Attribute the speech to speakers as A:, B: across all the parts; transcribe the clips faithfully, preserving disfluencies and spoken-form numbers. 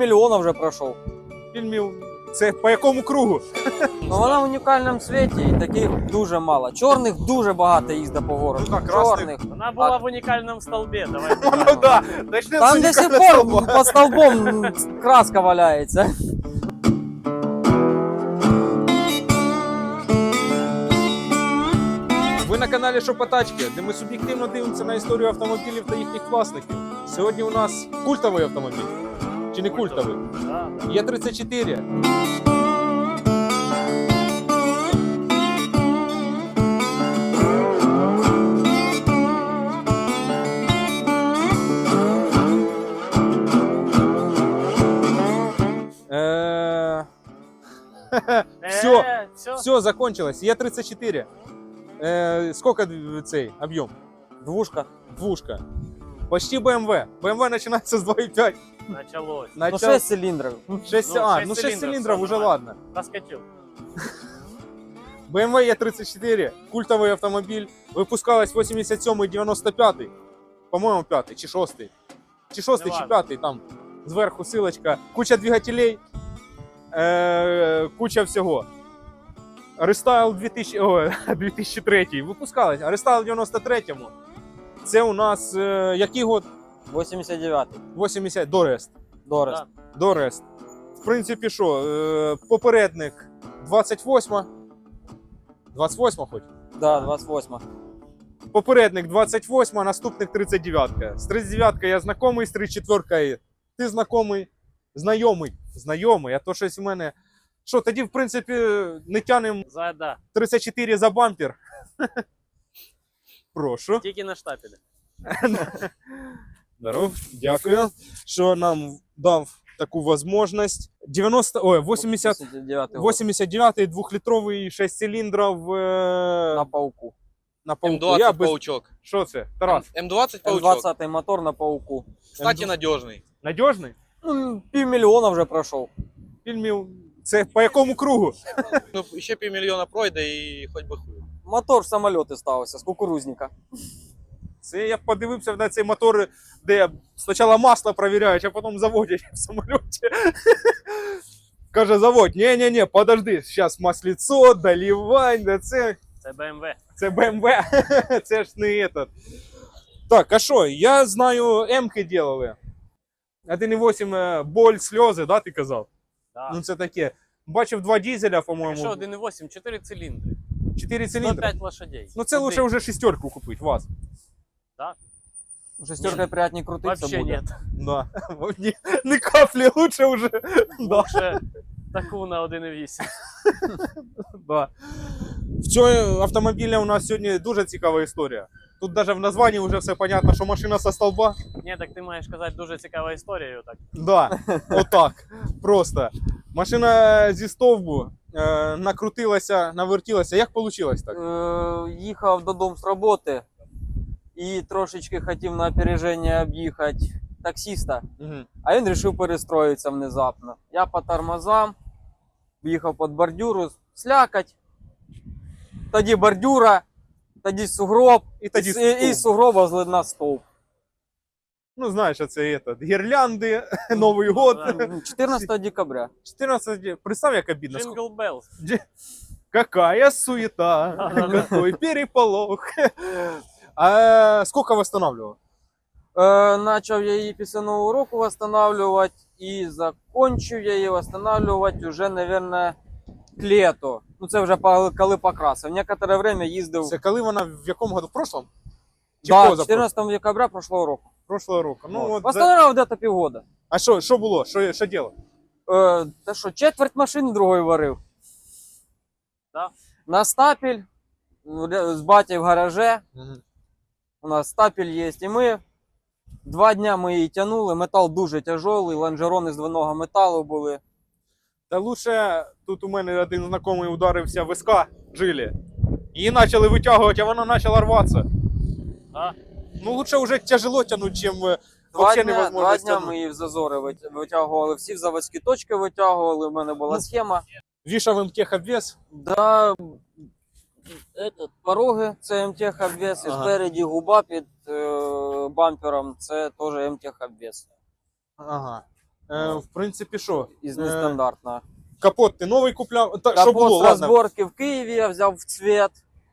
A: півмільйона вже пройшов.
B: Фільмів. Це по якому кругу?
A: Ну, вона в унікальному світі і таких дуже мало. Чорних дуже багато їздить по городу.
B: Ну, так, красних.
A: Чорних.
C: Она была
A: А-
C: в уникальном столбе, давай.
B: Ну да, начнем
A: Там
B: з
A: до сих
B: унікального
A: пор
B: столба.
A: під столбом краска валяється.
B: Ви на каналі Шопотачки, де ми суб'єктивно дивимося на історію автомобілів та їхніх власників. Сьогодні у нас культовий автомобіль. Чи не культовий?
C: Да, да.
B: Є тридцять чотири. Е, Все,
C: Э, всё.
B: все, закончилось. Є тридцать чотири. Е, Сколько цей об'єм?
A: Двушка.
B: Двушка. Почти бэ эм вэ. бэ эм вэ начинается с два и пять.
C: Началось.
A: Ну,
B: Начал...
A: шесть цилиндров.
B: шесть,
C: Ну,
B: а,
C: шесть
B: ну шесть
C: цилиндров,
B: цилиндров
C: всё
B: уже
C: нормально.
B: ладно.
C: Проскочил.
B: бэ эм вэ е тридцать чотири, культовий автомобіль, випускалась вісімдесят сьомий дев'яносто п'ятий, по-моєму, п'ятий чи шостий. Чи шостий, чи
C: Неважно.
B: п'ятий, там зверху силочка. Куча двигателей, е- куча всього. Рестайл дві тисячі, о, дві тисячі третій випускалась, а рестайл в дев'яносто третьому. Це у нас е- який год?
A: вісімдесят дев'ятий.
B: вісімдесят, до Рест.
A: Дорест.
C: Да.
B: До Рест. В принципі, що, е- попередник двадцять восьма. двадцять восьма хоч?
A: Да, двадцять восьма.
B: Попередник двадцять восьма, наступник тридцять дев'ятка. З тридцять дев'яткою я знайомий, з тридцять четвіркою ти знайомий. Знайомий. Знайомий, а то щось у мене... Що, тоді, в принципі, не тянемо
C: За, да.
B: тридцять чотири за бампер. Прошу.
C: Тики на штапеле.
B: Здоров, дякую, що нам дав таку можливість. дев'яносто, ой, вісімдесят,
A: дев'ятий год.
B: вісімдесят дев'ятий двохлітровий шість циліндрів е...
A: На пауку.
B: на пауку.
D: М двадцать
B: Я без...
D: паучок.
B: Що це? Тарас,
D: М двадцать
A: М
D: паучок.
A: двадцять мотор на пауку.
D: Кстати, надежный.
B: надіжний?
A: Ну, півмільйона вже пройшов.
B: Фільмів. Це по якому кругу?
D: Ну, еще півмільйона пройде і хоть би хуй.
A: Мотор в самоліти ставився з кукурузника.
B: Це я подивився на цей мотор, де спочатку масло перевіряють, а потім заводять в самоліті. Каже завод, ні-ні-ні, подожди, зараз масліцо, доливань, да це,
C: Це бэ эм вэ.
B: це бэ эм вэ, це ж не этот. Так, а що, я знаю, М-ки делали. один і вісім боль, сльози, да, ти казав?
C: Да.
B: Ну це таке. Бачив два дизеля,
C: Еще
B: по-моєму,
C: один и восемь, четыре цилиндра.
B: чотири
C: сто
B: циліндри.
C: пять лошадей.
B: Ну це лучше вже шестерку купити, вас.
A: Шестеркою приятнее крутиться
C: Вообще
A: буде.
C: нет.
B: Да. Ни, ни капли лучше уже. Да.
C: Лучше таку на один і вісім.
B: Да. В цьому автомобілі у нас сьогодні дуже цікава історія. Тут навіть в названні вже все понятно, що машина со столба.
C: Ні, так ти маєш казати дуже цікава історія. Так.
B: Да, отак. Просто. Машина зі стовбу е, накрутилася, навертілася. Як вийшло так?
A: Е, їхав додому з роботи і трошечки хотів на опереження об'їхати таксиста,
B: Угу.
A: а він вирішив перестроїтися внезапно. Я по тормозам, в'їхав під бордюру, слякать, тоді бордюра, тоді сугроб,
B: І тоді
A: і,
B: стовп.
A: і з сугроба злидна стовп.
B: Ну, знаєш, це этот, гірлянди, Новий год.
A: чотирнадцятого декабря.
B: чотирнадцять, представь, як обідно.
C: Джингл Беллс.
B: Какая суета, какой переполох. А сколько восстанавливал?
A: Е, начав я її після Нового року встановлювати і закончив я її встановлювати вже, мабуть, к лету. Ну це вже по- коли покрасив. Некоторе время їздив.
B: Це коли вона в якому году? В прошлом? Чи
A: Да,
B: поза
A: чотирнадцятого декабря прошлого року.
B: прошлого року. Ну,
A: Вот.
B: от за...
A: Восстановив десь півгода.
B: А що, що було? Що, що діло?
A: Е, та що, четверть машини другої варив.
C: Да.
A: На стапель, ре- з батьком в гараже. У нас стапель є. І ми два дня ми її тягнули. Метал дуже тяжелий, лонжерони з двойного металу були.
B: Та лучше, тут у мене один знайомий ударився в СК жилі. Її почали витягувати, а вона почала рватися.
C: А?
B: Ну лучше вже тяжело тягнути, чим е,
A: Два
B: вообще
A: дня,
B: невозможно
A: два дня
B: стягнути.
A: ми її в зазори вит- витягували, всі в заводські точки витягували, у мене була
B: Ну.
A: схема.
B: Вішав МТХ обвес.
A: Да, этот, пороги це МТХ обвес, і
B: Ага.
A: спереді губа під е, бампером це теж МТХ обвес.
B: Ага. Е, в принципі, що?
A: із
B: Е,
A: нестандартного.
B: Капот ти новий купляв? Та, що
A: Капот
B: було?
A: з
B: Ладно.
A: розборки в Києві я взяв в цвет.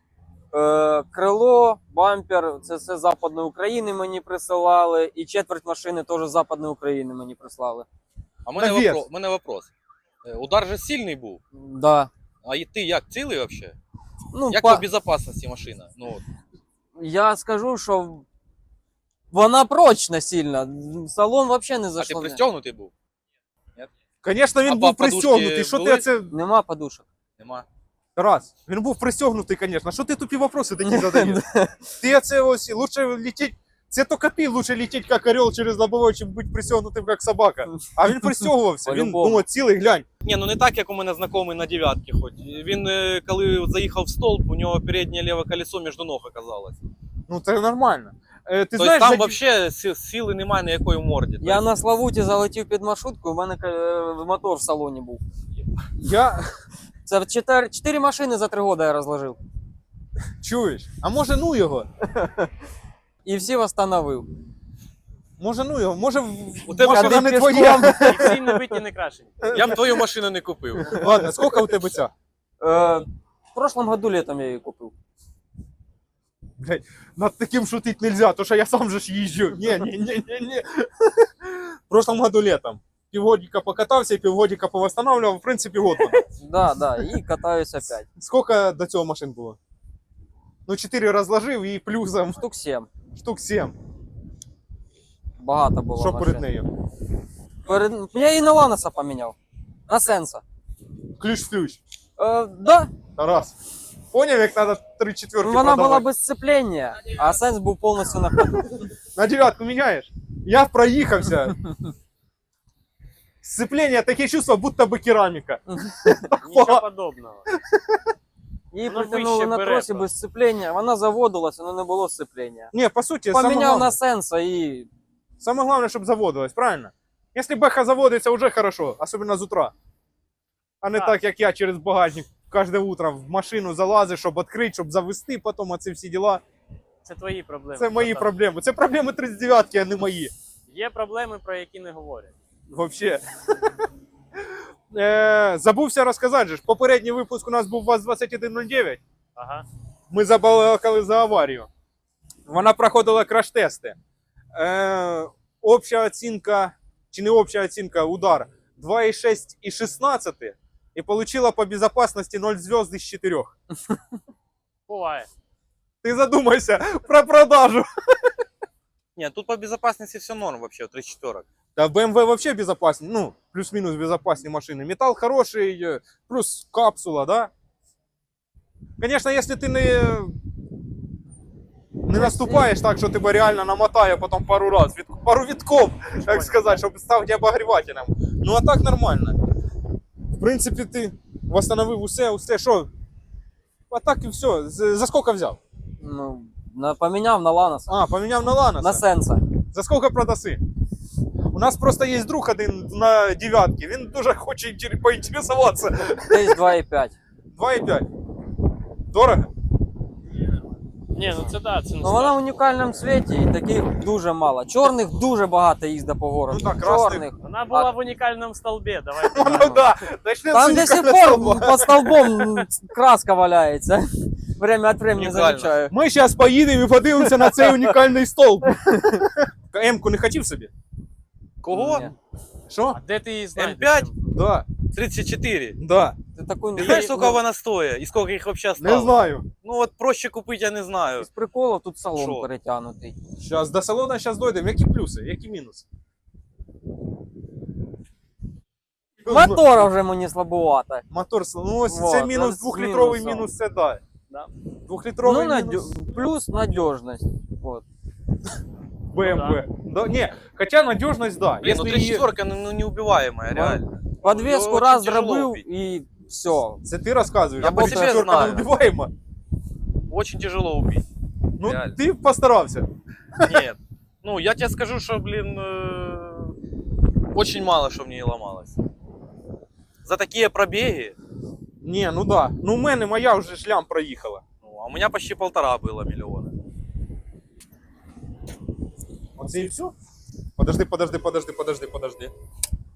A: Е, крило, бампер, це все з Западної України мені присилали. І четверть машини теж з Западної України мені прислали.
D: А в мене,
B: Навес.
D: вопро... мене вопрос. Е, Удар же сильний був.
A: Да.
D: А і ти як цілий взагалі?
A: Ну,
D: Як
A: па-
D: по безопасності машина? Ну, от.
A: Я скажу, що вона прочна сильно. Салон взагалі не
D: А ти
A: зайшов.
D: пристегнутий був?
B: Звісно, він
D: А
B: був
D: подушки
B: пристегнутий. Що ти
D: були?
B: оце?
A: Нема подушок.
D: Нема.
B: Раз. Він був пристегнутий, звісно. Що ти тупі вопроси такі задаєш? Ти оце ось, лучше летіть. Це тільки ти лучше летіть, як орел через лобовой, чим бути пристегнутим, як собака. А він пристегувався. Він
A: По-любому.
B: думав, цілий, глянь.
D: Ні, ну не так, як у мене знайомий на дев'ятки хоч. Він, е, коли заїхав в столб, у нього переднє ліве колесо між ног оказалось.
B: Ну це нормально. Е, ти
D: Тобто
B: знаєш,
D: там
B: за-
D: взагалі сили немає ніякої в морді.
A: Я
D: Тобто,
A: на Славуті залетів під маршрутку, у мене е, мотор в салоні був.
B: я
A: Це чотири, чотири машини за три роки я розложив.
B: чуєш? А може ну його?
A: І всі встановив.
B: Може ну його? Може в-
D: У тебе
B: машина
A: ходи
B: не
A: пішком.
B: твоя?
C: І всі не биті, не крашені.
D: Я б твою машину не купив.
B: Ладно, скільки у тебе ця?
A: Е, в прошлом году летом я її купив.
B: Блядь, над таким шутить нельзя, то що я сам же ж їжджу. Ні, ні, ні, ні, ні. В прошлом году летом. Півгодика покатався і півгодика повосстанавливав, в принципі, год. вона.
A: Да, да, і катаюсь опять.
B: Скільки до цього машин було? Ну, чотири розложив і плюсом
A: Штук сім.
B: штук сім.
A: Багато було
B: Що
A: машин.
B: перед нею?
A: Перед... Я її на Ланоса поміняв. На Сенса.
B: Ключ в ключ.
A: Е, да,
B: Раз. Поняв, як треба три четверки
A: вона була
B: продавати?
A: без сцеплення, а Сенс був повністю на ходу.
B: На дев'ятку міняєш? Я проїхався. Сцеплення, таке чувство, будто би кераміка.
C: Нічого подобного.
A: Її
C: Воно
A: притягнули
C: вище
A: на
C: бере
A: тросі
C: просто.
A: без сцеплення, вона заводилася, але не було сцеплення.
B: Ні, по суті, саме
A: Поміняв
B: головне,
A: на Сенса і
B: саме головне, щоб заводилось, правильно? Якщо беха заводиться, вже хорошо, особливо з утра. А не
C: Так.
B: так, як я через багажник кожне утро в машину залазиш, щоб відкрити, щоб завести, потім оці всі діла.
C: Це твої проблеми.
B: Це мої
C: братан.
B: проблеми. Це проблеми тридцять дев'ятки, а не мої.
C: Є проблеми, про які не говорять.
B: Вообще. Е, забувся розказати же ж. Попередній випуск у нас був ВАЗ двадцять один нуль дев'ять.
C: Ага.
B: Ми забалакали за аварію. Вона проходила краш-тести. Е, обща оцінка, чи не обща оцінка, удар два і шість і шістнадцять. І отримала по безопасности нуль зв'язок із чотирьох.
C: Буває.
B: Ти задумайся про продажу.
D: Ні, тут по безопасности все норм вообще, три четверок.
B: Да, бэ эм вэ вообще безопасні, ну, плюс-мінус безопасні машини. Металл хороший, е, плюс капсула, да? Конечно, если ты не, не наступаешь так, що тебе реально намотає потім пару раз, від, пару відков, так сказати, щоб стати обогрівателем. Ну а так нормально. В принципі, ти восстановив усе, усе, що? А так і все. З- За скільки взяв?
A: ну, на, поміняв на Ланоса.
B: А, поміняв на Ланоса.
A: На Сенса.
B: За скільки продаси? У нас просто є друг один на дев'ятки, він дуже хоче інтер- поінтересуватися.
A: Десь два і п'ять.
B: два і п'ять. Дорого?
C: Ні, ну це да, це не
A: Ну вона в унікальному світі і таких дуже мало. Чорних дуже багато їздить по городу.
B: Ну так, красних.
A: Чорних.
C: Вона була в унікальному столбі, давайте.
B: Ну
C: так.
B: да, начнем
A: Там
B: с
A: до сих
B: уникального
A: пор
B: столба.
A: під столбом краска валяється. Время від времени
D: Унікально.
A: замічаю.
B: Ми зараз поїдемо і подивимося на цей унікальний столб. М-ку не хотів собі?
D: Кого?
A: Ні.
B: Що?
C: А де ти її знаєш?
D: М п'ять?
B: Да,
D: тридцять чотири.
B: да.
A: Ти таку
D: Ти знаєш, сколько вона стоїть? І сколько їх вообще стало?
B: Не знаю.
D: Ну от проще купити, я не знаю.
A: З приколу тут салон
D: Що?
A: перетягнутий.
B: Зараз до салона зараз дойдемо. Які плюси, які мінуси?
A: Мотора вже мені слабувато.
B: Мотор, ну ось
A: Вот,
B: це мінус,
A: з
B: двохлітровий
A: мінусом.
B: мінус, це да.
C: Да.
B: Двохлітровий
A: Ну,
B: мінус
A: надё... плюс надіжність. Вот.
B: бэ эм вэ. Да, не, хоча надіжність, да.
D: Блін, ну
B: Если
D: три
B: її-
D: четверка, ну, ну неубиваемая, реально.
A: Подвеску
D: Очень
A: раз
D: тяжело
A: зробив
D: убить.
A: і все.
B: Це ти розказуєш,
D: Я
B: а
D: по себе
B: четверка
D: знаю.
B: не вбиваємо.
D: Очень тяжело убить.
B: Ну,
D: Реально.
B: ти постарався.
D: Нет. Ну, я тебе скажу, что, блин, э, очень мало что в ней ломалось. За такие пробеги,
B: Ні, ну да. Ну, у мене моя вже шлям проїхала.
D: ну, а у меня почти полтора было миллиона.
B: Оце і все? Подожди, подожди, подожди, подожди, подожди.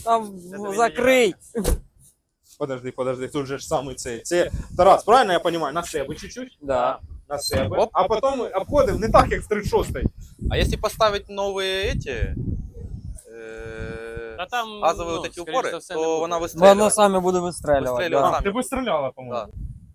A: Там
C: Це тобі
A: закрий.
B: Подожди, подожди, тут же ж самий цей. Це Тарас, правильно я розумію? На себе чуть-чуть?
A: Да.
B: На себе.
D: Оп.
B: А потім обходимо не так, як з тридцять шостої.
D: А если поставить новые эти э,
C: А там,
D: газовые
C: ну,
D: вот эти
C: скоріш
D: упоры,
C: за все, не
D: то
C: буде.
D: она
A: Воно
D: выстреливает.
A: саме буде вистрелювати.
D: Вистрелювати
A: Да.
D: саме.
B: Ти вистріляла, по-моєму.
D: Да.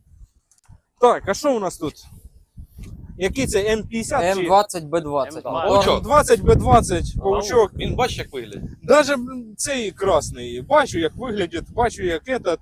B: Так, а що у нас тут? Який це М п'ятдесят
A: М
B: чи
A: двадцять Б двадцять.
C: М двадцять.
B: Паучок? двадцять Б двадцять, паучок.
D: Він бачиш, як виглядить.
B: Даже блін, цей красний. Бачу, як виглядить, бачу, як этот.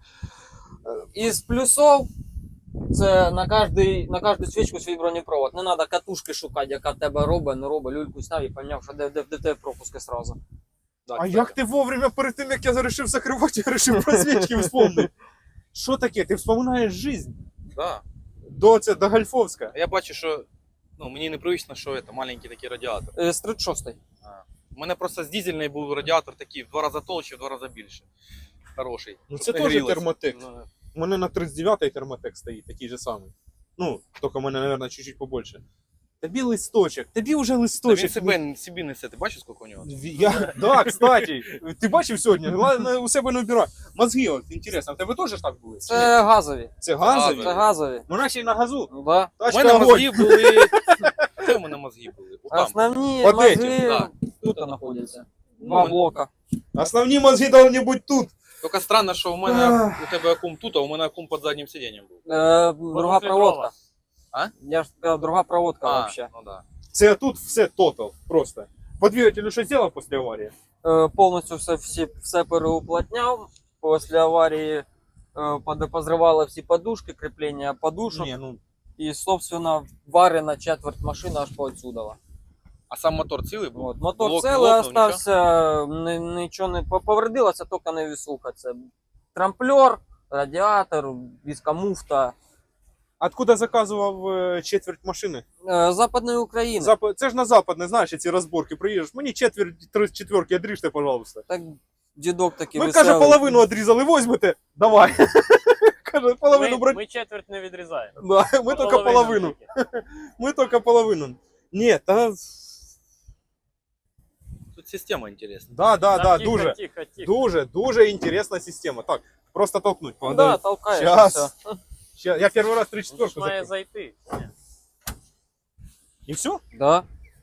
A: Із плюсов це на кожний, на кожну свічку свій бронепровод. Не треба катушки шукати, яка в тебе робить, не робить. Люльку сняв і поняв, що де, де, де в тебе пропуски сразу.
B: А як ти вовремя перед тим, як я вирішив закривати, я вирішив про свічки вспомнити. Що таке? Ти вспоминаєш життя?
D: Да.
B: До, це, до Гальфовська.
D: Я бачу, що ну, мені непривично, що це маленький такий радіатор.
A: Е, З тридцять шостої.
D: У мене просто з дизельний був радіатор такий в два рази толще, в два рази більше. Хороший.
B: Ну це
D: Щоб не
B: теж
D: грілося.
B: термотек.
C: Ну,
B: У мене на тридцять дев'ятій термотек стоїть, такий же самий. Ну, тільки у мене, мабуть, чуть-чуть побольше. Тобі листочок, тобі вже
D: Та він
B: листочок.
D: себе, собі несе, ти бачиш, скільки у нього?
B: Я, да, кстати, ти бачив сьогодні? Ладно, у себе не вбирай. Мозги, от, інтересно, в тебе теж так були?
A: Це газові.
B: Це газові?
A: Це газові.
B: Ну, наші на газу.
A: Ну, да.
D: У
B: Тачка
D: мене
B: огонь.
D: мозги були. Де у мене мозги були? Отам.
A: Основні
B: От
A: мозги
B: эти,
D: да.
A: тут знаходяться.
D: Ну,
A: Два блока.
B: Основні мозги повинні бути тут.
D: Тільки странно, що у мене у тебе акум тут, а у мене акум під заднім сидінням був.
A: Е, друга проводка.
D: А?
A: Я ж сказав, друга проводка
D: А,
A: вообще.
D: ну да.
B: Це тут все тотал, просто. По двигателю що зробив після аварії?
A: Е, повністю все, всі, все переуплотняв. Після аварії е, под- позривали всі подушки, кріплення подушок.
B: Ні, ну,
A: І, собственно, варена четверть машини аж поотсюдала.
D: А сам мотор цілий був?
A: От. Мотор
D: Блок-
A: цілий
D: блокнув,
A: остався, ни- нічого не повредилося, тільки не вісуха. Це трамплер, радіатор, віскомуфта.
B: откуда заказував е, четверть машини?
A: Е, Западної України.
B: Зап... Це ж на западне, знаєш, ці розборки приїдеш. Мені четверть, три четверки одріжте, пожалуйста.
A: Так дідок такий
B: Ми,
A: веселий.
B: каже, половину одрізали, возьмете? Давай. Каже, половину
C: Ми,
B: брать.
C: ми четверть не відрізаємо.
B: Да, ми тільки половину.
C: тільки.
B: Ми тільки половину. Ні, та...
D: Тут система інтересна.
B: Да, да,
C: Та
B: да,
C: тихо,
B: дуже.
C: Тихо, тихо.
B: Дуже, дуже інтересна система. Так, просто толкнуть.
A: Ну, да, толкаєш.
B: Щас.
A: і все.
B: Ща- Я перший раз три
C: Ну,
B: четверку
C: ж має
B: закрив.
C: зайти.
B: І все?
A: Да.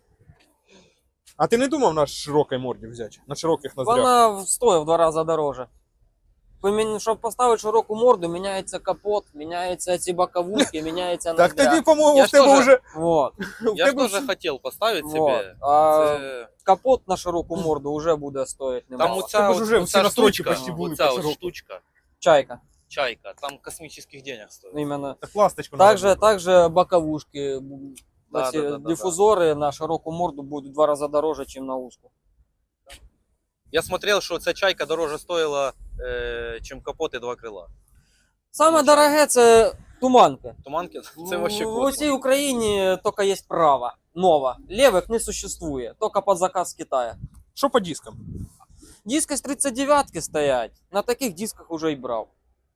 B: А ти не думав на широкій морді взяти? На широких ноздрях?
A: Вона стоїть в два рази дороже. Помін- Щоб поставити широку морду, міняється капот, міняються ці боковушки, міняється
B: Так
A: ноздря.
B: тоді, по-моєму,
D: Я
B: в
D: ж
B: тебе
D: теж-
B: вже...
A: Вот.
B: в
D: Я ж
B: тебе
D: теж
B: всі-
D: хотів поставити
A: Вот.
D: собі.
A: А
D: Це...
A: капот на широку морду вже буде стоїти
D: Там
A: немало.
D: оця,
B: Тебе ж
D: от-
B: уже всі
D: оця
B: настройки
D: штучка,
B: почти були
D: оця
B: по
D: от
B: широку.
D: штучка,
A: Чайка.
D: чайка, там космічних денег стоїть.
A: Іменно.
B: Так ласточку надо
A: Также, также боковушки.
D: Да,
A: Ці
D: да, да, да,
A: дифузори на широку морду будуть в два рази дороже, ніж на узку.
D: Я смотрел, що ця чайка дороже стоїла, е, чим капот і два крила.
A: Саме дороге це туманка.
D: Туманки, це вообще
A: В
D: космос.
A: усій Україні тільки є права, нова. Левих не существує, тільки під заказ Китая.
B: Що по дискам?
A: Диски з тридцять дев'ятки стоять, на таких дисках уже і брав.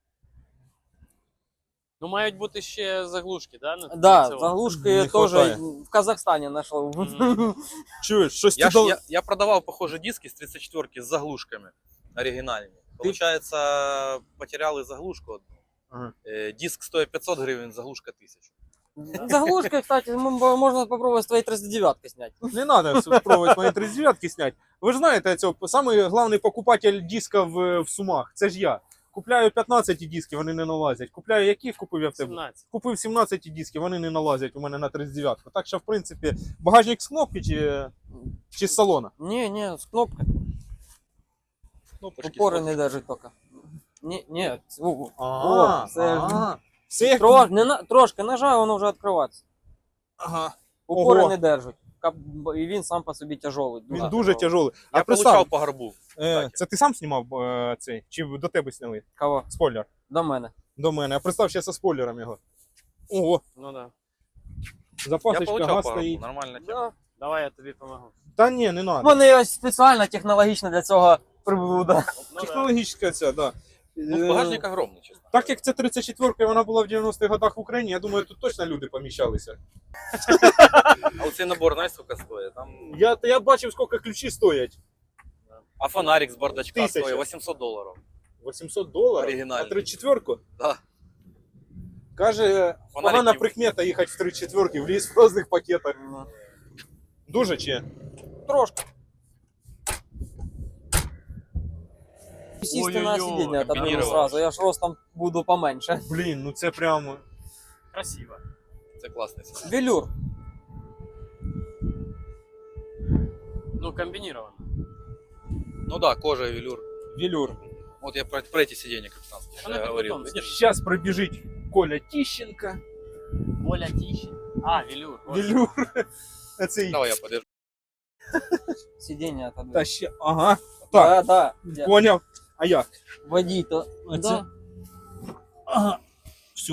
C: Ну, мають бути ще заглушки, да? на
A: Да,
C: цьому?
A: заглушки
B: Не
A: теж
B: хватає.
A: в Казахстані знайшов.
C: Мгм.
B: Чуєш, щось
D: Я,
B: ти
D: ж,
B: дал...
D: я, я продавав, похоже, диски з тридцять четверки з заглушками оригінальні. Получается, потеряли заглушку одну.
B: Ага.
D: Е, Диск стоїть п'ятсот гривень, заглушка тисячу.
A: Заглушки, кстати, м- можна спробувати з твоєї тридцять дев'ятки зняти.
B: Не надо спробувати мої тридцять дев'ятки снять. Ви ж знаєте, цього, самий головний покупатель диска в, в Сумах, це ж я. Купляю п'ятнадцять диски, вони не налазять. Купляю які купив я в тебе?
C: сімнадцять.
B: Купив сімнадцять диски, вони не налазять у мене на тридцять дев'ятку. Так що, в принципі, багажник з кнопки чи, чи з салона?
A: Ні, ні, з кнопки.
D: Кнопочки
A: Опори
D: стоять.
A: не держить тільки. Ні, ні, це- о,
B: Ага,
A: о, це ж-
B: ага. Все як...
A: Трош, не на, трошки нажав, воно вже відкривається.
B: Ага.
A: Опори
B: Ого.
A: не держать. Кап- І він сам по собі тяжелий.
B: Він
A: Да.
B: дуже тяжелий. А
D: Я
B: представ,
D: получав по горбу.
B: е, це ти сам знімав е, цей? Чи до тебе сняли?
A: Кого?
B: Спойлер.
A: До мене.
B: До мене. А представ ще зі спойлером його. Ого,
C: Ну да.
D: Я
B: запасочка
D: получав
B: газ
D: по горбу,
B: стоїть.
D: нормальна тема.
A: Да.
C: Давай я тобі допомогу.
B: Та ні, не надо.
A: Вони ось спеціально технологічно для цього приблуда.
C: Ну, да.
B: Технологічна ця, да.
D: Ну,
B: Е,
D: багажник огромний, чесно.
B: Так як це тридцять четверка, вона була в дев'яностих годах в Україні, я думаю, тут точно люди поміщалися.
D: А оцей набор, знаєш, скільки стоїть? Там
B: Я, я бачив, скільки ключі стоять.
D: А фонарик с бардачка
B: Тысяча.
D: стоит восемьсот долларов.
B: вісімсот доларів?
D: Оригінальний.
B: А тридцять четвірку?
D: Да.
B: Каже, погана
D: не-
B: прикмета їхати в тридцять четвірки, в ліс в різних пакетах. Дуже чи?
A: Трошки. Сісти на
C: Ой-ой-ой,
A: сидіння отодвину
D: комбінірував.
A: сразу, я ж ростом буду поменше.
B: Блін, ну це прямо...
C: Красиво.
D: Это классный сиденье.
A: Велюр.
C: Ну, комбинировано.
D: Ну да, кожа и велюр.
B: Велюр.
D: Вот я про, про эти сиденья капитанские
C: Она
D: я
C: как
D: говорил.
C: потом
D: Видишь?
B: Сейчас пробіжить Коля Тищенко.
C: Оля Тищин. А, велюр. Вот.
B: Велюр. А це
D: Давай я подержу.
A: Сидіння отодвину.
B: Та ще... Ага. Так,
A: Да, да.
B: поняв. А як?
A: Водій то.
B: А
A: Да.
B: це? Ага. Все.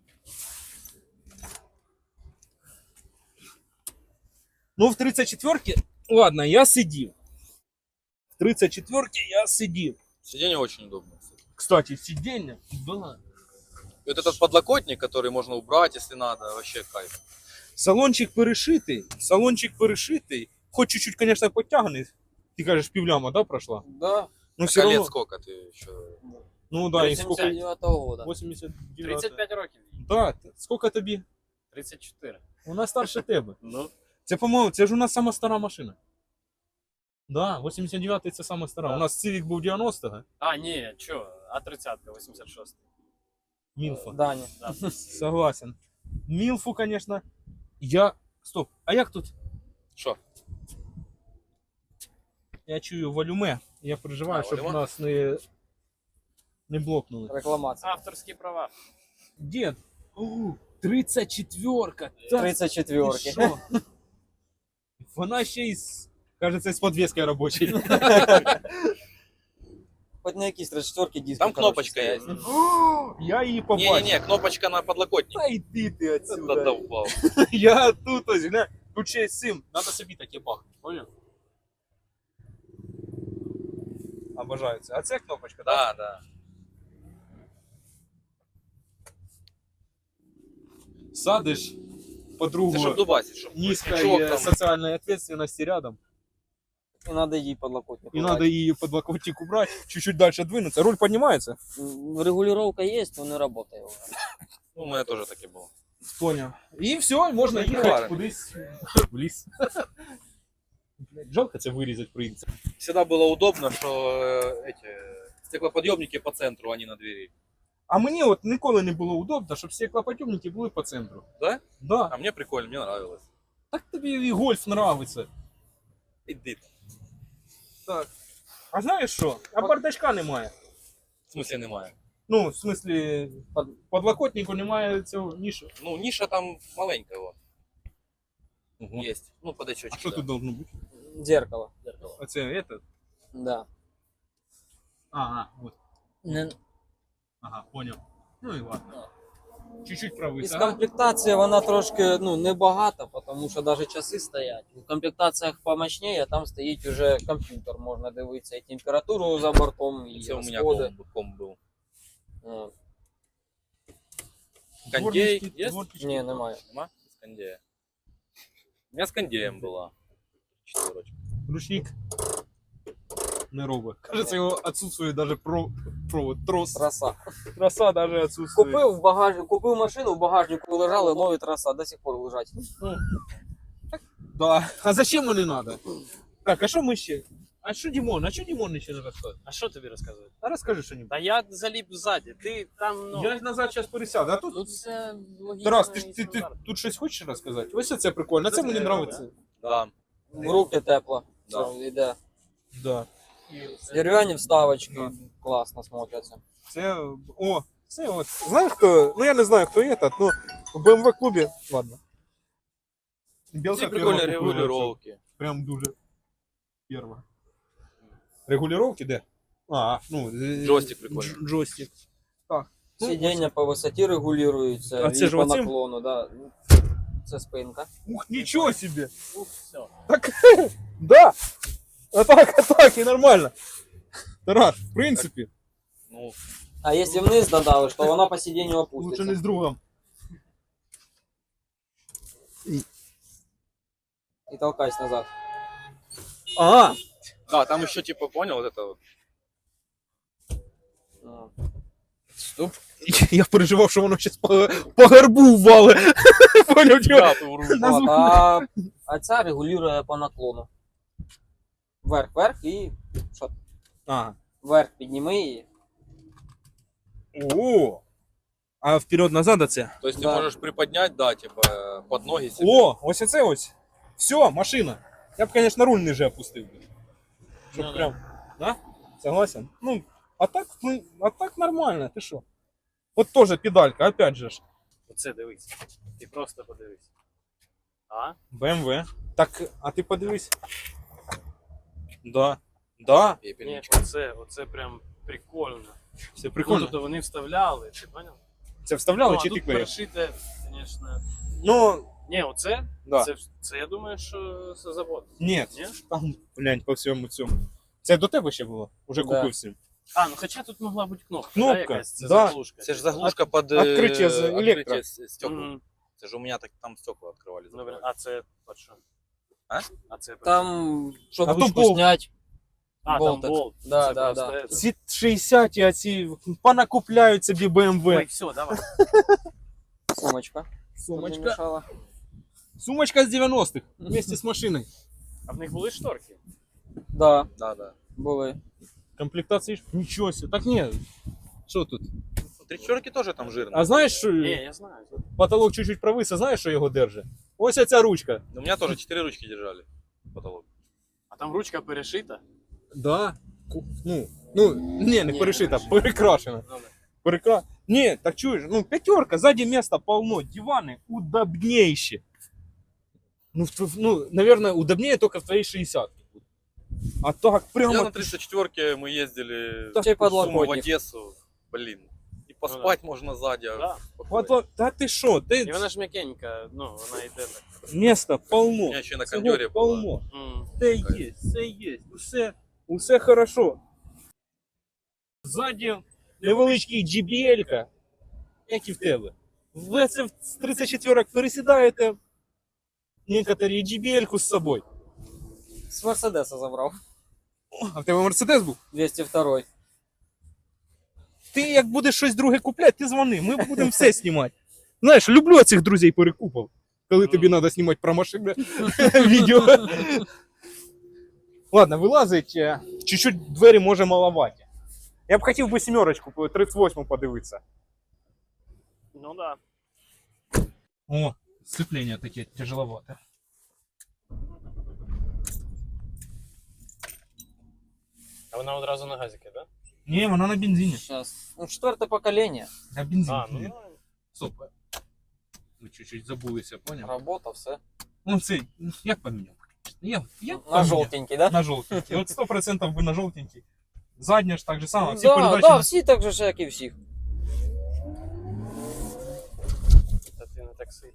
B: Ну, в тридцять четвірці... Ладно, я сидів. В тридцять четвірці я сидів.
D: Сиденье очень удобно. Кстати.
B: Кстати, сидіння. Да.
D: И вот этот подлокотник, который можно убрать, если надо, вообще кайф.
B: Салончик перешитий. Салончик перешитий. Хоч чуть-чуть, конечно, подтягнений. Ти кажеш, півляма, да, пройшла?
A: Да.
B: Ну,
D: Так,
B: все
D: а лет
B: равно...
D: сколько ты еще?
B: Ну, да, і сколько...
A: вісімдесят дев'ятого года.
B: вісімдесят дев'ять.
C: тридцять п'ять років.
B: Да, сколько тобі?
C: тридцять чотири.
B: Вона старше тебе.
C: Ну,
B: Це, по-моєму, це ж у нас сама стара машина. Да, вісімдесят дев'ятий це сама стара.
C: Да.
B: У нас Civic був дев'яностого.
C: а, ні, чо, а тридцятка, вісімдесят шостий.
B: Мілфа.
A: Дані.
C: Да.
B: Согласен. Мілфу, конечно. Я... Стоп, а як тут?
D: Что?
B: Я чую валюме. Я переживаю,
D: А,
B: щоб
D: валюме?
B: нас не... не блокнули.
A: Рекламація.
C: Авторські права.
B: Дед, о, тридцять четвірка. Та
A: тридцять
B: ти
A: четвірки.
B: що? Вона ще й з... Кажется, з подвеской робочей.
A: Хоч на якісь тридцять четвірки диски.
D: Там кнопочка
A: коротше,
D: есть.
A: стоять.
B: Я її побачив.
D: Не-не-не, кнопочка на подлокотник.
B: Та йди ти
D: Да
B: отсюда.
D: довбал.
B: Я тут ось, гля. Тут ще є сим. Надо собі таке бахнути, понял? Обожаю це. А це кнопочка, так?
D: Да, да.
B: Садиш подругу
D: Это чтоб дубасить, чтоб
B: низкой
D: чувак
B: э,
D: там.
B: социальной ответственности рядом.
A: І треба їй подлокотник.
B: И
A: убрати.
B: надо ее подлокотник убрать, чуть-чуть дальше двинуться. Руль поднимается?
A: М, Регулировка є, но не працює.
D: Ну, у меня тоже таки было.
B: Понял. И все, можно
D: Ну,
B: ехать
D: ладно.
B: кудись в ліс. Блядь, жалко це вирізати прийдеться.
D: Всегда было удобно, что э, эти стеклоподъемники по центру, а не на двери.
B: А мені от ніколи не було удобно, щоб стеклоподйомники були по центру.
D: Да?
B: Да.
D: А мне прикольно, мне нравилось.
B: Так тобі і гольф нравиться.
D: Иди.
B: Так. А знаєш що? А бардачка немає.
D: В смысле немає.
B: Ну, в смислі, под- подлокотнику немає цього нішу.
D: Ну, ниша там маленькая вот.
B: Ого.
D: Есть. Ну, подачочек.
B: А що
D: да.
B: тут должно бути?
A: Дзеркало.
D: Зеркало.
B: Оце это?
A: Да.
B: Ага, вот.
A: Не...
B: Ага, понял. Ну і ладно. Чуть-чуть правий.
A: Із
B: Ага.
A: комплектації вона трошки ну, небагата, тому що навіть часи стоять. У комплектаціях помощніше, там стоїть уже комп'ютер, можна дивитися і температуру за бортом, і
D: Це у меня
A: розходи.
D: ком, ком был.
A: Е,
D: Кондей
B: Дворнички,
D: есть?
B: дворнички.
A: Ні, немає.
D: Нема? С кондея. У меня с кондеем была. Четверочка.
B: Ручник не робить. Кажется, його відсутствує даже про, провод, трос.
A: Траса.
B: Троса даже відсутствує.
A: Купив в багаж... Купив машину, в багажнику лежали нові траса, до сих пор лежать.
B: Да. А зачем вони надо? Так, а що ми ще? А що Дімон? А що Дімон ще не розказує?
C: А що тобі розказувати?
B: А розкажи що-нибудь.
C: Та я заліп ззаді, ти там, ну...
B: Я назад зараз пересяду, а тут...
C: Ну це логічно.
B: Тарас, ти,
C: і
B: ж- ти, ти
C: стандартно.
B: тут щось хочеш розказати? Ось це прикольно, це мені
C: Це
B: подобається.
D: Да.
A: В руки тепло.
D: Да.
A: Це йде.
B: Да.
A: Дерев'яні вставочки класно смотряться.
B: Це, о, це от, знаєш хто, ну я не знаю хто этот, ну в бэ эм вэ клубі, ладно. Білка
D: Ці
B: перва
D: прикольні
B: купила,
D: регулировки.
B: прям дуже перва. Регулировки де? А, ну, е,
D: Джойстик прикольний.
B: дж- Джойстик. Так. Ну,
A: Сидіння по висоті регулюються,
B: А це
A: і
B: ж
A: по
B: оцим?
A: наклону, да. Це спинка.
B: Ух, нічого себе!
C: Ух, все.
B: Так, да! А так, а так, і нормально. Тарас, в принципі,
D: Ну,
A: А якщо вниз додавиш, то вона по сидінню
B: лучше
A: опуститься.
B: не з другом.
A: І толкайся назад.
B: Ага,
D: Да, там еще типа, понял, вот это вот.
A: Ну,
B: Стоп. Я переживав, що воно зараз по, по гарбу ввали. Поняв, чого?
D: Да, ты вру.
B: На
A: от,
B: звук.
A: а, а ця регулює по наклону. Вверх, вверх і що?
B: Ага.
A: Вверх підніми її.
B: О! А вперед-назад оце?
D: То есть ты
A: Да.
D: можешь приподнять, да, типа, под ноги себе.
B: О, ось оце ось. Все, машина. Я б, конечно, руль ниже опустив. Щоб
C: Ну, да.
B: прям. Да? Согласен? Ну, а так, ну, а так нормально, ти що? От теж педалька, опять же ж.
C: Оце дивись. Ти просто подивись. А?
B: бэ эм вэ. Так, а ти подивись. Да. Да.
C: Ні,
D: Пепельничка.
C: оце, оце прям прикольно.
B: Все
C: Ну,
B: прикольно.
C: тобто вони вставляли, ти поняв?
B: Це вставляли
C: Ну,
B: чи
C: а
B: ти
C: тут
B: клеїв?
C: перешите, звісно.
B: Ну,
C: Ні, оце,
B: да.
C: це, це я думаю, що це завод.
B: Ні.
C: Ні?
B: Там, глянь, по всьому цьому. Це до тебе ще було? Уже
A: Да.
B: купив всім.
C: А, ну хоча тут могла бути кнопка,
B: Кнопка,
C: да, якась, це
B: да.
C: заглушка.
D: Это же заглушка под э,
B: открытие за электро.
D: открытие стекла.
C: Мгм.
D: Это же у меня так там стекла открывали.
C: Добре,
D: закрывали.
C: а це под що?
D: А?
C: А це под
A: Там, щоб
B: А то
A: ручку
B: болт.
A: снять.
C: А,
A: болтик.
C: там болт.
A: Да,
C: Це
A: да,
C: просто
A: да.
C: это.
B: Ці шістдесят, а ці понакупляють собі бэ эм вэ.
C: Ой, все, давай.
A: Сумочка.
B: Сумочка.
A: Щоб не мішала.
B: Сумочка з дев'яностих вместе з машиною.
C: А в них були шторки?
A: Да,
D: Да, да.
A: були.
B: Комплектації ж? Нічого себе. Так ні. Що тут?
D: Три четверки тоже там жирные.
B: А знаєш, що
C: Ні, я знаю.
B: потолок чуть-чуть провис, а знаєш, що його держить? Ось ця ручка.
D: У меня тоже четыре ручки держали. Потолок.
C: А там ручка перешита?
B: Да. Ку- Ну, ну, ні, не
C: Ні,
B: перешита,
C: не
B: перекрашена.
C: Ну, да.
B: Перекра... Ні, так чуєш, ну п'ятерка, ззаді міста полно, дивани удобнейші. Ну, в тв- ну, наверное, удобнее только в твоей шестидесятке. А так прямо...
D: Я на тридцать четверке мы ездили
B: Да,
D: в
A: Чей
D: Сумы, в
A: подлокотник.
D: Одессу. Блин. И поспать можно сзади. а
C: Да.
D: спокойно.
B: Подло- Та ти що, ти...
C: І вона ж м'якенька, ну, вона йде так.
B: Места
D: У
B: полно.
D: меня еще на
B: Всього
D: кондере было.
B: полно.
C: М.
B: Все є, все є, усе, усе хорошо. Ззаді невеличкий джі бі ель-ка, як і в тебе. Ви це з тридцять четверок пересідаєте, некоторі джі бі ель-ку з собою.
A: З Мерседеса забрав.
B: А в тебе Мерседес був?
A: двісті два.
B: Ти як будеш щось друге купляти, ти дзвони, ми будемо все знімати. Знаєш, люблю цих друзей перекупів, коли тобі треба знімати про машини відео. Ладно, вилазить, е, чуть-чуть двері може маловаті. Я б хотів би сімерочку, тридцять восьму подивитися.
C: Ну да.
B: О, сцепление таке тяжеловато.
C: А вона одразу на газике, да?
B: Не, вона на бензині.
A: Сейчас. Ну, четверте покоління.
B: На бензині.
C: А, ну нормально.
B: Стоп. Ми чуть-чуть забулися, поняв?
A: Робота, все.
B: Ну це, як поміняв? Я, я
A: На
B: поміняв.
A: жовтенький, да?
B: На жовтенький. От сто процентів би на жовтенький. Задня ж так же само. Всі
A: Да,
B: передачі.
A: да,
B: на-
A: всі так же ж, як і всіх.
C: Та ти не таксі.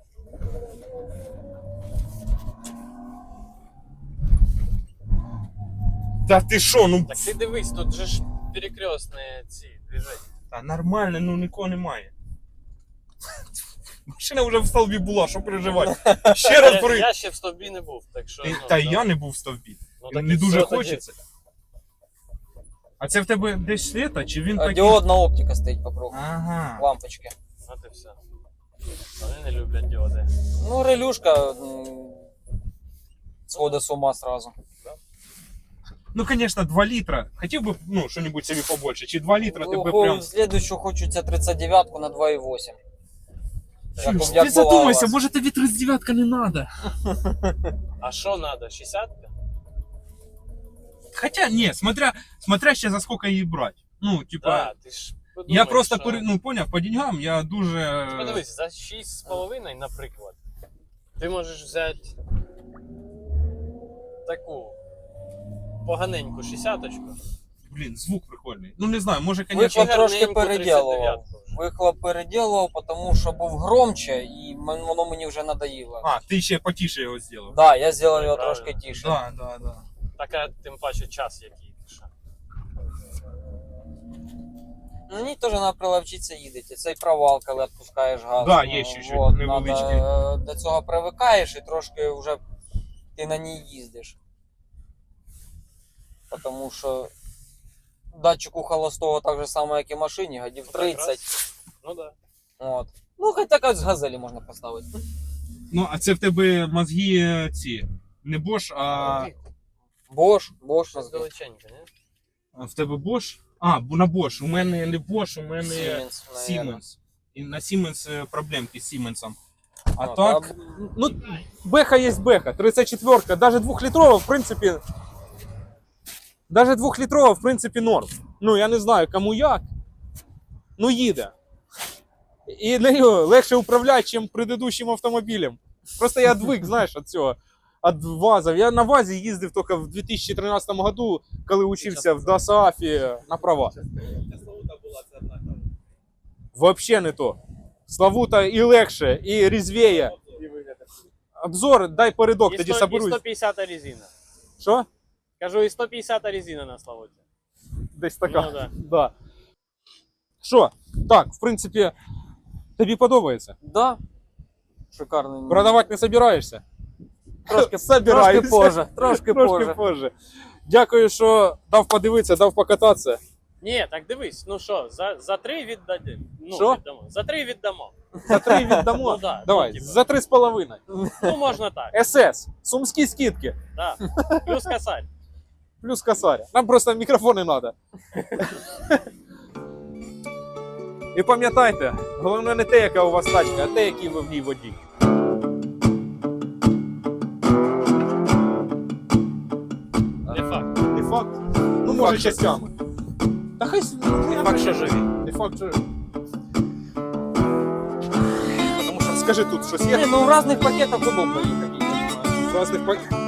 B: Та ти що, ну
C: Так ти дивись, тут же ж перекрестні ці движення.
B: та нормально, ну нікого немає. Машина вже в столбі була, що переживати. Ще раз
C: Я,
B: при.
C: я ще в стовбі не був, так що.
B: Ти-
C: ну,
B: Та й
C: да.
B: я не був в стовбі.
C: Ну, так
B: Не
C: і
B: дуже
C: все тоді.
B: хочеться. А це в тебе десь світа, чи він
A: А
B: такий?
A: діодна оптика стоїть по кругу.
B: Ага.
A: Лампочки.
C: От і все. Вони не люблять діоди.
A: Ну, релюшка м, сходить з ума сразу.
B: Ну, конечно, два літра. Хотів би, ну, що-нибудь собі побольше. Чи два літра
A: Ну,
B: тебе
A: хо-
B: прям...
A: Следующую хочеться тридцять дев'ятку на два і вісім.
B: Чуєш,
A: як
B: ти
A: була у
B: задумайся,
A: вас.
B: може тобі тридцять дев'ятка не надо.
C: А що треба? шістдесятка?
B: Хотя, ні, смотря, смотря ще за сколько її брати. Ну, типа,
C: Да, ти ж подумай,
B: я просто,
C: що...
B: пере- ну, поняв, по деньгам я дуже...
C: Подивись, за шість з половиною, наприклад, ти можеш взяти таку поганеньку шістдесяточку.
B: Блін, звук прикольний. Ну, не знаю, може, конечно...
A: Вихлоп трошки
C: гарненьку
A: переділував.
C: тридцять дев'ятку вже.
A: Вихлоп переділував, тому що був громче і мен- воно мені вже надоїло.
B: А, ти ще потише його зробив.
A: Да, я зробив його
C: Правильно.
A: трошки тише.
B: Да, да, да.
C: Така, тим паче, час який. що.
A: На ній теж треба приловчитися їдете. Цей провал, коли відпускаєш газ.
B: Да,
A: Ну,
B: є ще чуть
A: вот,
B: невеличкий.
A: надо, е, до цього привикаєш і трошки вже ти на ній їздиш. Тому що датчику холостого так же само, як і машині, годів
C: Ну, так раз.
A: тридцять.
C: Ну да.
A: От. Ну, хоч так з газелі можна поставити.
B: Ну, а це в тебе мозги ці. Не Bosch, а
A: Bosch, Bosch
C: Щось
A: мозги.
C: далеченько, не?
B: а в тебе Bosch? А, бо на Bosch. У мене не Bosch, у мене
A: Siemens, наверно.
B: Siemens. І на Siemens е, проблемки з Siemens. А
A: Ну,
B: так,
A: та-
B: ну, беха є беха, тридцять четверка, даже двухлітрова, в принципі, даже двухлітрова, в принципі, норм. Ну, я не знаю, кому як, ну їде. І нею легше управляти, ніж предыдущим автомобілем. Просто я відвик, знаєш, від цього, від ВАЗів. Я на ВАЗі їздив тільки в дві тисячі тринадцятому году, коли учився в ДОСААФі на права. Вообще не то. Славута і легше, і різвіє. Обзор, дай передок,
C: І
B: тоді
C: сто- і
B: соберусь.
C: сто п'ятдесят резина.
B: Що?
C: Кажу, і сто п'ятдесят резина на Славуті.
B: Десь така.
C: Ну да.
B: Да. Що? Так, в принципі, тобі подобається.
A: Да. Шикарний.
B: Продавати не собираєшся?
A: Трошки,
B: Собираюся.
A: трошки позже. Трошки,
B: Трошки
A: позже.
B: позже. Дякую, що дав подивитися, дав покататися.
C: Ні, так дивись, ну що, за, за три віддадим. Ну,
B: Що?
C: віддамо. За три віддамо.
B: За три віддамо.
C: Ну да,
B: Давай,
C: ну, типа.
B: за три з половиною.
C: Ну, можна так.
B: ес ес. Сумські скидки.
C: Да. Плюс косарь.
B: Плюс косаря. Нам просто мікрофони треба. І пам'ятайте, головне не те, яка у вас тачка, а те, який ви в ній водій.
C: Не факт.
B: Не факт. Ну, може,
D: факт,
B: частями. Та хай с- ну, я
D: Факт,
B: не-
D: що живі.
B: Не факт, що. Тому що скажи тут щось
A: Ні,
B: є.
A: ну в різних пакетах удобно їхати.
B: В разних пак-